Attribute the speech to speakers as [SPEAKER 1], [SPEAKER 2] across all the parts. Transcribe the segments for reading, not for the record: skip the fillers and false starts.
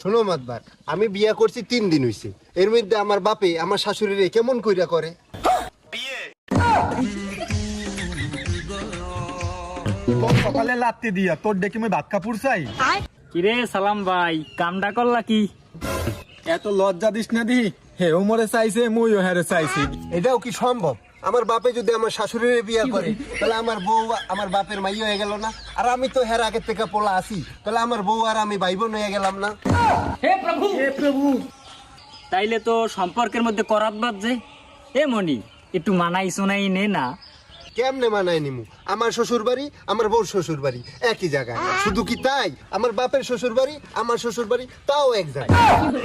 [SPEAKER 1] শোনো মাতবার, আমি বিয়া করছি 3 দিন হইছে। এর মধ্যে আমার বাপে আমার শাশুড়িরে কেমন কইরা করে।
[SPEAKER 2] তোর সকালে লাত্তি দিয়া তোর ডেকে মই ভাত কাপুর চাই।
[SPEAKER 3] কিরে সালাম ভাই, কামডা করলা কি?
[SPEAKER 2] এত লজ্জা দিস না দি, হে ওমরে চাইছে মুইও হেরে চাইছি।
[SPEAKER 1] এটাও কি সম্ভব? আমার বাপে যদি আমার শাশুড়িরে বিয়া করে তাহলে আমার বউ আমার বাপের মাই হয়ে গেল না? আর আমি তো হের আগের থেকে পোলা আছি, তাহলে আমার বউ আর আমি ভাই বোন হয়ে গেলাম না?
[SPEAKER 3] হে প্রভু, তাইলে তো সম্পর্কের মধ্যে করাত বাজছে। এ মনি, একটু মানাই শোনাই নে না।
[SPEAKER 1] কেমনে মানায় নিমু? আমার শ্বশুর বাড়ি আমার বউর শ্বশুর বাড়ি একই জায়গায়। শুধু কি তাই, আমার বাপের শ্বশুর বাড়ি আমার শ্বশুর বাড়ি তাও এক জায়গায়।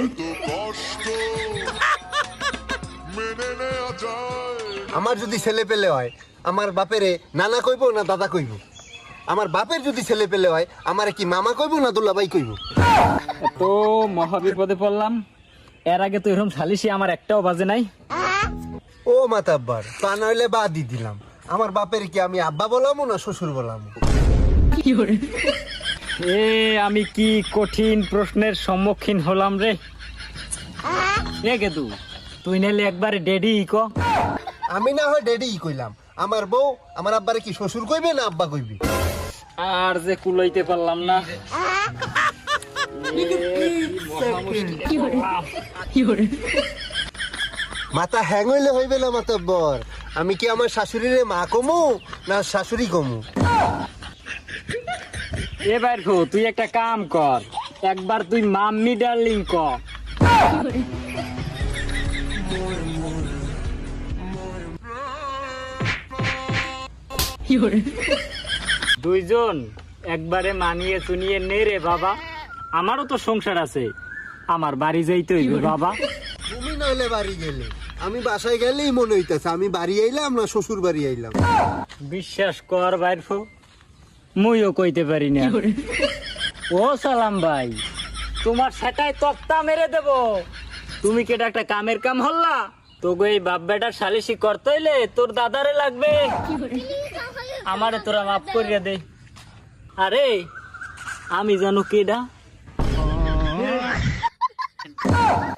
[SPEAKER 1] আমার যদি ছেলে পেলে হয় আমার বাপেরে নানা কইব না দাদা কইব? আমার বাপের যদি ছেলে পেলে হয় আমারে কি মামা কইব না দুলাভাই কইব?
[SPEAKER 3] তো মহাবিপদে পড়লাম। এর আগে তো এরকম সালিশি আমার একটাও বাজে নাই।
[SPEAKER 1] ও মাতাব্বার, তা নইলে বাদই দিলাম। আমার বাপের কি আমি আব্বা বলামো না শ্বশুর বলামো?
[SPEAKER 3] এ আমি কি কঠিন প্রশ্নের সম্মুখীন হলাম রে। এ গেদু, তুই নাইলে একবারে ডেডি ক।
[SPEAKER 1] আমি না হয় ডেডি কইলাম, আমার বউ আমার আব্বারে কি শ্বশুর কইবে না আব্বা কইবে?
[SPEAKER 3] আর যে কুলাইতে পারলাম না।
[SPEAKER 1] মাথা হ্যাং হইলে হইবে না মাতাব্বর। আমি কি আমার শাশুড়িরে মা কমু না শাশুড়ি কমু?
[SPEAKER 3] এবার তুই একটা কাম কর, একবার তুই মাম্মি ডার্লিং ক। দুইজন একবারে মানিয়ে চুনিয়ে নে রে বাবা। আমারও তো সংসার আছে, আমার বাড়ি যাইতে হইবে বাবা।
[SPEAKER 1] তুমি নইলে বাড়ি গেলে, আমি বাসায় গেলেই মনে হইতেছে আমি বাড়ি আইলাম না শ্বশুর বাড়ি আইলাম।
[SPEAKER 3] বিশ্বাস কর বাইর মুইও কইতে পারি না। ও সালাম ভাই, তোমার সেটাই তক্তা মেরে দেব। তুমি কেটা একটা কামের কাম হল্লা, তোকে এই বাপ বেটার সালিশি করতে হইলে তোর দাদারে লাগবে। আমারে তোরা মাফ করিয়া দে। আরে আমি জানো কেডা?